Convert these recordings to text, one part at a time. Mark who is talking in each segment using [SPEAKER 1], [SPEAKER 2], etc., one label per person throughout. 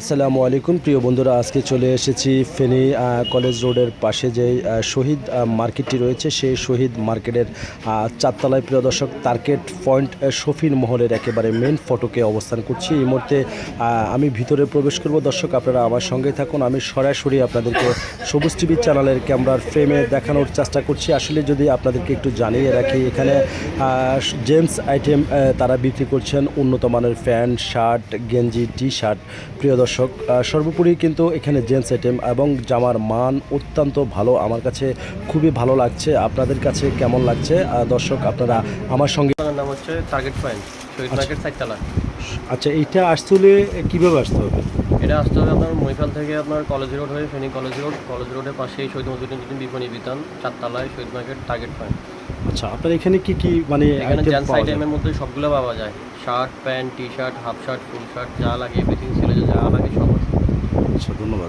[SPEAKER 1] আসসালামু আলাইকুম প্রিয় বন্ধুরা, আজকে চলে এসেছি ফেনী কলেজ রোডের পাশে যে শহীদ মার্কেটটি রয়েছে সেই শহীদ মার্কেটের চারতলায়। প্রিয় দর্শক, টার্গেট পয়েন্ট শফিন মহলের একেবারে মেন ফটকে অবস্থান করছি। এই মুহূর্তে আমি ভিতরে প্রবেশ করব। দর্শক, আপনারা আমার সঙ্গে থাকুন। আমি সরাসরি আপনাদেরকে সবুজ টিভি চ্যানেলের ক্যামেরার ফ্রেমে দেখানোর চেষ্টা করছি। আসলে যদি আপনাদেরকে একটু জানিয়ে রাখি, এখানে জেন্টস আইটেম তারা বিক্রি করছেন, উন্নত মানের প্যান্ট, শার্ট, গেঞ্জি, টি শার্ট। প্রিয় দর্শক, সর্বোপরি কিন্তু এখানে জেন্টস আইটেম এবং জামার মান অত্যন্ত ভালো। আমার কাছে খুবই ভালো লাগছে। আপনাদের কাছে কেমন লাগছে দর্শক, আপনারা আমার সঙ্গে।
[SPEAKER 2] নাম হচ্ছে টার্গেট পয়েন্ট, শহীদ মার্কেট সাইডতলা।
[SPEAKER 1] আচ্ছা, এইটা আসলে কীভাবে আসতে হবে?
[SPEAKER 2] এটা আসতে হবে আপনার মহিপাল থেকে আপনার কলেজ রোড হয়ে ফেনী কলেজ রোডের পাশেই শহীদ মজুদ্দিন বিপণী বিতান চারতলায় শহীদ মার্কেট টার্গেট পয়েন্ট।
[SPEAKER 1] আচ্ছা, আপনার এখানে কি কি মানে
[SPEAKER 2] এখানে জেন্টস আইটেমের মধ্যে সবগুলো পাওয়া যায়। Shirt, pant, T shirt, half shirt, full shirt, যা লাগে এভরিথিং, ছেলে যা লাগে সব আছে।
[SPEAKER 1] আচ্ছা, ধন্যবাদ।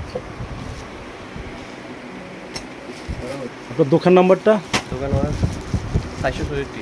[SPEAKER 1] আপনার দোকান নাম্বারটা?
[SPEAKER 2] দোকান আমার 464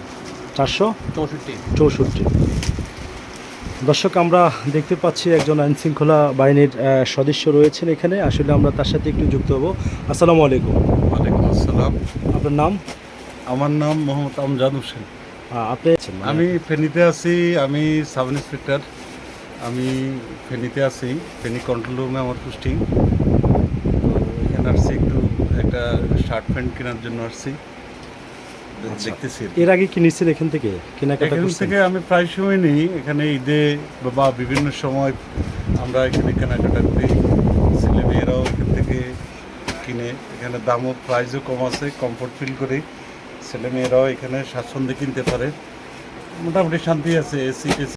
[SPEAKER 1] 464। দর্শক, আমরা দেখতে পাচ্ছি একজন আইনশৃঙ্খলা বাহিনীর সদস্য রয়েছেন এখানে। আসলে আমরা তার সাথে একটু যুক্ত হব। আসসালামু আলাইকুম।
[SPEAKER 3] ওয়ালাইকুম আসসালাম।
[SPEAKER 1] আপনার নাম?
[SPEAKER 3] আমার নাম মোহাম্মদ আমজাদ হোসেন।
[SPEAKER 1] আপনি?
[SPEAKER 3] আমি ফেনীতে আছি। আমি সাব ইন্সপেক্টর। আমি ফেনীতে আছি। ফেনী কন্ট্রোল রুমে আমার পোস্টিং। তো এখানে আসছি একটু একটা শার্ট প্যান্ট কেনার জন্য আসছি। দেখতেছি।
[SPEAKER 1] এর আগে কি নিচ্ছেন এখান থেকে কেনাকাটা?
[SPEAKER 3] এখান থেকে আমি প্রায় সময় নিই। এখানে ঈদে বা বিভিন্ন সময় আমরা এখানে কেনাকাটা করি। ছেলে মেয়েরাও এখান থেকে কিনে। এখানে দামও প্রাইসও কম আছে, কমফোর্ট ফিল করি। ছেলে মেয়েরাও এখানে স্বাচ্ছন্দ্যে কিনতে পারে। মোটামুটি শান্তি আছে। এসি